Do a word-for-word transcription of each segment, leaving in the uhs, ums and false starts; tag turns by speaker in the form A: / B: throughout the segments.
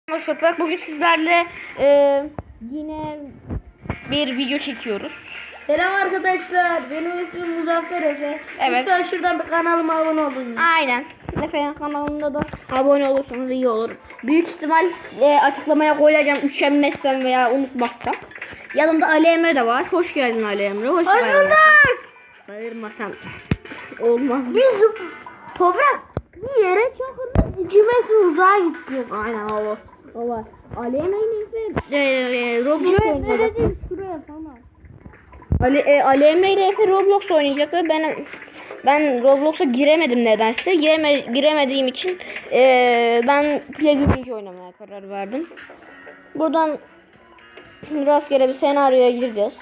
A: Toprak, bugün sizlerle e, yine bir video çekiyoruz.
B: Selam arkadaşlar, benim ismim Muzaffer Efe.
A: Evet.
B: Lütfen şuradan bir kanalıma abone olun.
A: Aynen. Efendim kanalımda da abone olursanız iyi olur. Büyük ihtimal e, açıklamaya koyacağım, üşenmezsem veya unutmazsam. Yanımda Ali Emre de var. Hoş geldin Ali Emre. Hoş
B: Hoş
A: geldin.
B: bulduk.
A: Bağırmasan olmaz.
B: Biz toprak bir yere çok hızlı iki metre uzağa gittik.
A: Aynen o. O var. Ali Emre'nin Efe e, e, Roblox
B: Ne
A: oynadı.
B: dedim şuraya falan.
A: Ali, e, Ali Emre ile Efe Roblox oynayacaklar. Ben ben Roblox'a giremedim nedense. Gireme, giremediğim için e, ben Plague oynamaya karar verdim. Buradan rastgele bir senaryoya gireceğiz.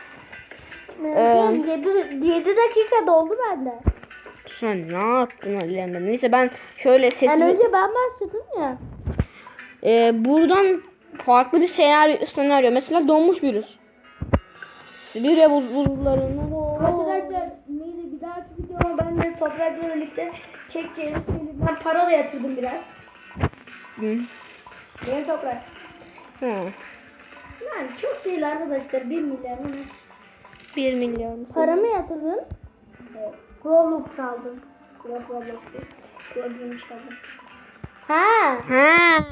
B: Ee, yedi dakika doldu bende.
A: Sen ne yaptın Ali Emre? Neyse ben şöyle sesimi...
B: Yani önce ben başladım ya.
A: E, buradan farklı bir senaryo, senaryo. Mesela donmuş virüs. Sibirya buz, buzullarından...
B: Arkadaşlar neydi bir dahaki videoma ben de toprakla birlikte çekeceğiz. Ben para da yatırdım biraz.
A: Hı.
B: Benim toprak.
A: Hı.
B: Yani çok değil arkadaşlar, bir milyar mı?
A: bir milyon.
B: Paramı yatırdın. Evet. Roblox aldım. Roblox değil. Roblox aldım. Ha.
A: Ha.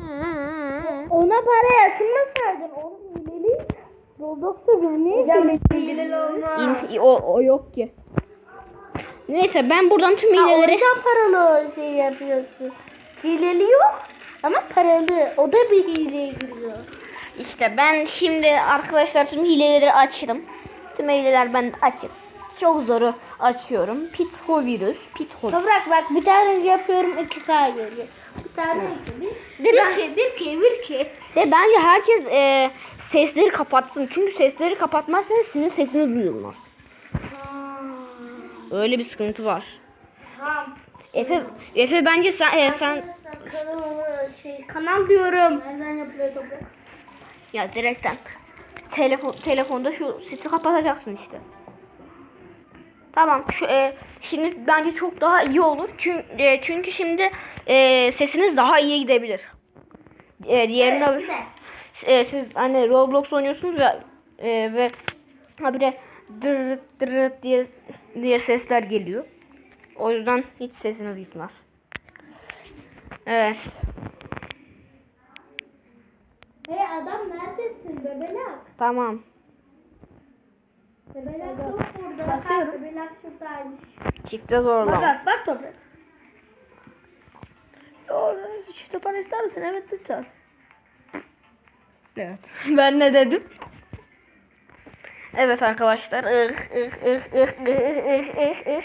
B: Ona para yatırmasaydın. Onun hileli. Roblox'ta biz niye hileli olmaz?
A: İn- o, o yok ki. Neyse ben buradan tüm
B: Ha, o
A: hileleri...
B: yüzden paralı şey yapıyorsun. Hileli yok ama paralı. O da bir hileye giriyor.
A: İşte ben şimdi arkadaşlar tüm hileleri açtım. Tüm hileler ben açık. Çok zoru açıyorum. Pitho virüs. Pitho.
B: Toprak bak, bir tane yapıyorum iki K geliyor. Bir tane iki. Bir, bir,
A: Ben-
B: iki, bir iki, bir iki.
A: De bence herkes e, sesleri kapatsın. Çünkü sesleri kapatmazsanız sizin sesiniz duyulmaz. Öyle bir sıkıntı var.
B: Tamam.
A: Efe, Efe bence sen e, sen
B: Kanal, şey, kanal diyorum. Nereden yapılıyor toprak?
A: ya direkten telefon telefonda şu sesi kapatacaksın işte. Tamam. Şu e, şimdi bence çok daha iyi olur. Çünkü e, çünkü şimdi e, sesiniz daha iyi gidebilir. E, diğerinde
B: Evet, güzel.
A: e, siz hani Roblox oynuyorsunuz ve e, ve ha bir de dırırt dırırt diye diye sesler geliyor. O yüzden hiç sesiniz gitmez. Evet.
B: Hey adam, neredesin bebelak?
A: Tamam.
B: Bebelak yok burada.
A: Basıyorum.
B: Bebelak şuradaymış.
A: Çifte zorlama.
B: Bak bak toprak. Yo, işte para ister misin? Evet lütfen.
A: Evet. Ben ne dedim? Evet arkadaşlar. Ih, ih, ih, ih, ih, ih, ih, ih.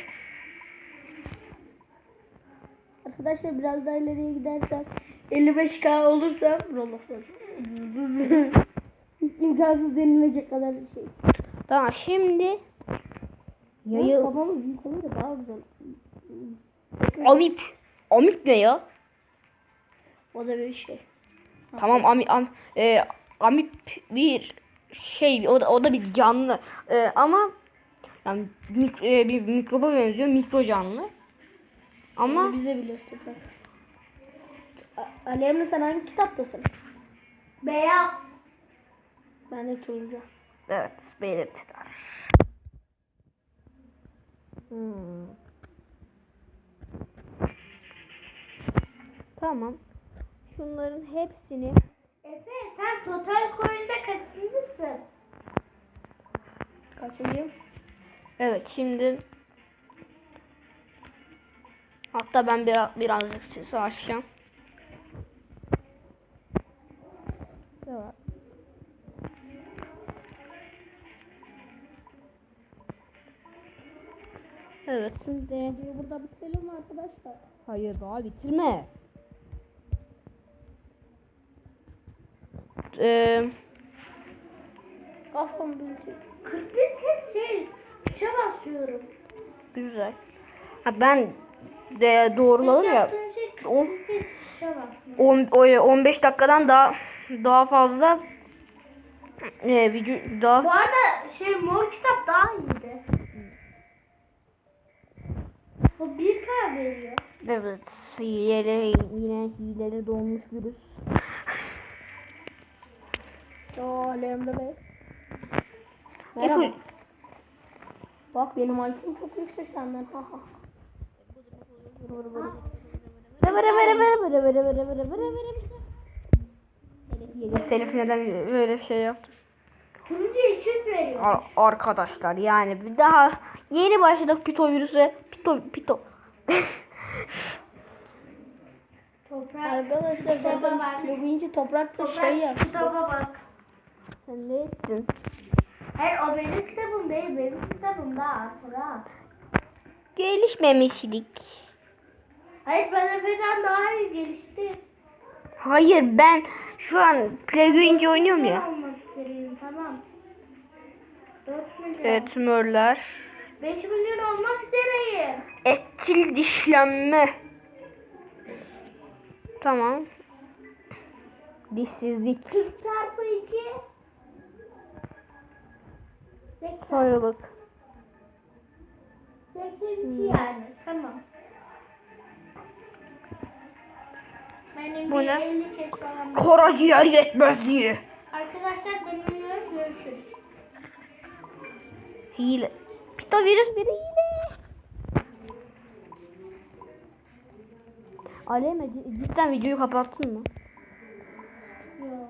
B: Arkadaşlar biraz daha ileriye gidersek elli beş K olursa Roblox'ta hiç imkansız denilecek kadar bir şey.
A: Tamam şimdi
B: Yayı... Kafamız büyük olunca daha güzel.
A: Amip. Amip ne ya?
B: O da bir şey.
A: Tamam Amip am, e, Amip bir şey, o da, o da bir canlı. E, ama yani mik, e, bir mikroba benziyor, mikro canlı. Ama
B: Ama bize biliyorsun toprak. A- Ali Emre, sen hangi kitaptasın? Beyaz. Ben de turuncu.
A: evet, belirtiler. Hmm. Tamam. Şunların hepsini
B: Efe, sen total coin'de kaçıncısın?
A: kaçırayım. Evet, şimdi hatta ben biraz birazcık sesi açacağım. Evet. Evet, şimdi
B: Burada bitirelim mi arkadaşlar?
A: hayır daha bitirme. Ee,
B: Kafam büyüdü. kırk bir kez şey, tuşa basıyorum.
A: güzel. Ha ben de doğruladım ya.
B: Yaptığın şey
A: On-
B: kırk bir kez tuşa basıyorum.
A: on on beş dakikadan daha daha fazla e, video daha
B: Bu arada şey, mor kitap daha iyiydi. O bir K veriyor.
A: evet, hileli yine hileli dolmuş virüs.
B: Oo Alem'de be. Merhaba.
A: Efe,
B: Bak benim I Q'm çok yüksek senden. Ha ha.
A: Selif neden böyle bir şey yaptı?
B: Turuncu için veriyor.
A: Ar- arkadaşlar yani bir daha yeni başladık pito virüse. Pito pito.
B: Toprak. Arkadaşlar zaten Lubinci toprakta şey yap.
C: Kitaba bak.
A: Sen ne ettin?
C: Hayır o benim kitabım değil. Benim kitabım daha Fırat.
A: Gelişmemişlik.
C: Hayır ben Efe'den daha iyi gelişti.
A: Hayır ben şu an Playground oynuyorum ya.
C: Olmak istedim tamam. dört milyon.
A: Evet tümörler.
C: beş milyon olmak üzereyim.
A: Etkili dişlenme. Tamam. Dişsizlik.
C: kırk çarpı iki. seksen.
A: Sarılık.
C: seksen iki yani. Tamam. Benim
A: Bu
C: bir
A: ne?
C: elli kez falan.
A: Karaciğer yetmezliği.
C: Arkadaşlar ben uyuyorum. Görüşürüz.
A: Hile. Pito virüs bir hile. Aleme cidden videoyu kapattın mı?
C: Yok.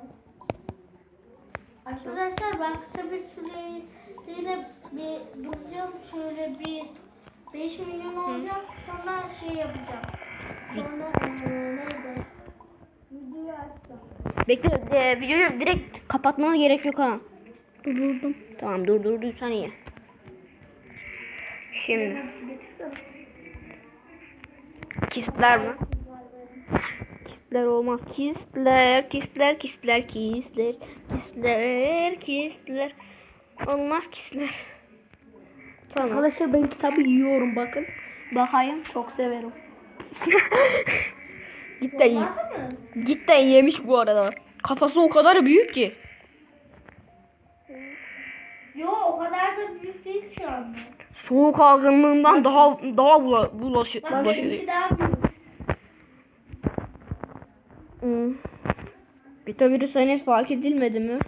C: Arkadaşlar ben kısa bir süreliğine bir duracağım. Şöyle bir beş milyon olacak. Sonra şey yapacağım. Sonra eee neydi? Videoyu açacağım.
A: Bekle e, videoyu direkt kapatmana gerek yok ha. Durdurdum. Tamam durdurduysan iyi. Şimdi kistler mi? Kistler olmaz. Kistler, kistler, kistler, kistler, kistler, kistler. Olmaz kistler. Tamam.
B: Arkadaşlar ben kitabı yiyorum bakın. Bakayım çok severim.
A: Cidden iyi.
C: Var mı?
A: Cidden yemiş bu arada. Kafası o kadar büyük ki.
C: Yo o kadar da büyük değil şu anda.
A: Soğuk algınlığından daha daha bula, bulaşı,
C: Bak
A: bulaşıyor.
C: benimki daha büyük.
A: Hmm. Beta virüs henüz fark edilmedi mi?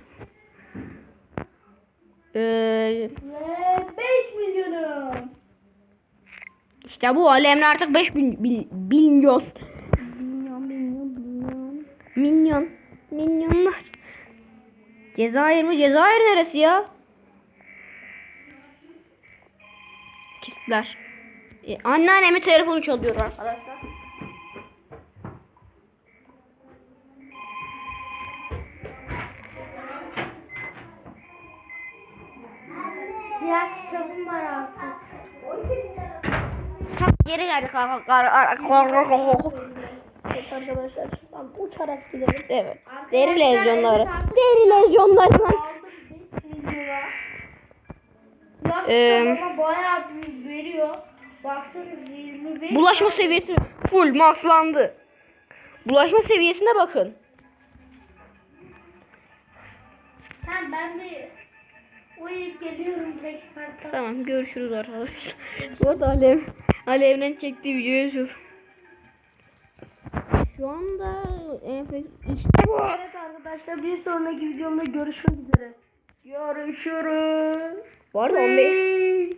A: Ee,
C: Ve beş milyonum.
A: işte bu alemde artık beş bin, bil, milyon. Milyon, milyon, milyon. Milyon, milyonlar. Cezayir mi? Cezayir neresi ya? Kistler. Ee, anneannemin telefonu çalıyor arkadaşlar.
C: Siyah kitabım var artık.
A: Geri geldik arkadaşlar.
B: Evet arkadaşlar şuradan uçarak gidelim.
A: Evet. Deri lezyonları. Deri lezyonları.
C: Aldım beş milyona. Siyah
A: Ee,
C: kitabıma bayağı büyük veriyor. Baksanız yirmi beş.
A: Bulaşma seviyesi full maxlandı. Bulaşma seviyesine bakın.
C: Sen ben bir uyuyup geliyorum beş parça.
A: Tamam görüşürüz arkadaşlar. Bu arada Alev, Alev'den çektiği videoyu şu. Şu anda enfek işte bu.
B: Evet arkadaşlar bir sonraki videomda görüşmek üzere. Görüşürüz.
A: Bu arada on beş.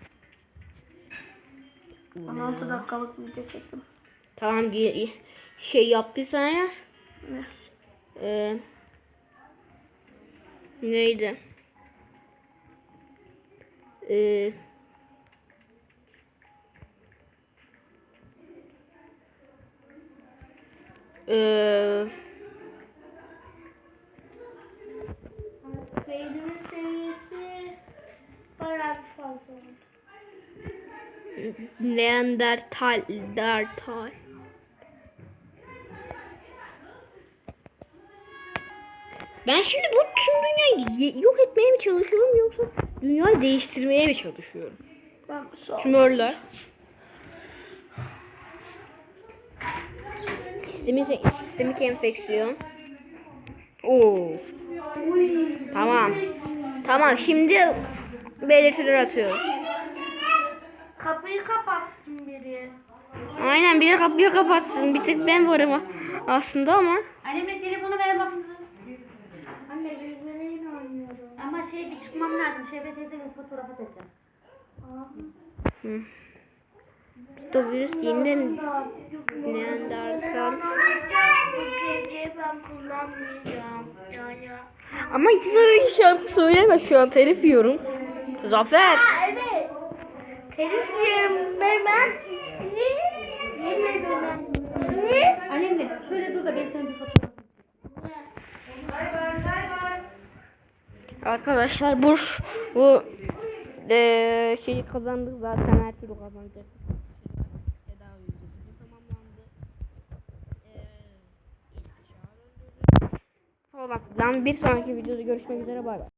B: on altı dakikalık video çektim.
A: Tamam ge- şey yaptıysan ya.
B: Ne?
A: Ee, neydi? Ee, ee,
C: Beynimin seviyesi bayağı bir fazla oldu.
A: Neandertal, Neandertal. Ben şimdi bu tüm dünyayı ye- yok etmeye mi çalışıyorum yoksa dünyayı değiştirmeye mi çalışıyorum?
B: Ben sağ ol.
A: Tümörler. Sistemik, sistemik enfeksiyon. Oo. Tamam. Tamam şimdi belirtiler atıyoruz.
C: Kapıyı kapatsın biri.
A: Aynen biri kapıyı kapatsın. Bir tek ben varım aslında ama.
C: Annemle telefonu ver bakın. Anne bir
B: Şeye bir çıkmam lazım. Şevre teyzeyle fotoğraf atacağım.
A: Hı. Pitovirüs yeniden Neandertal.
C: Bu gece ben kullanmayacağım. Yani.
A: Ama hiç öyle şarkı söyleme, şu an telif yiyorum. Zafer.
C: Aa, evet. Telif yiyorum ben. Ben. Ne? Yemedim ben. Ne?
B: Annemle şöyle dur da ben sana bir fotoğraf
A: Arkadaşlar bu bu eee şeyi kazandık zaten, her türlü kazanacaktık. Tedavi ücreti tamamlandı. Eee falan filan. Bir sonraki videoda görüşmek üzere, bay bay.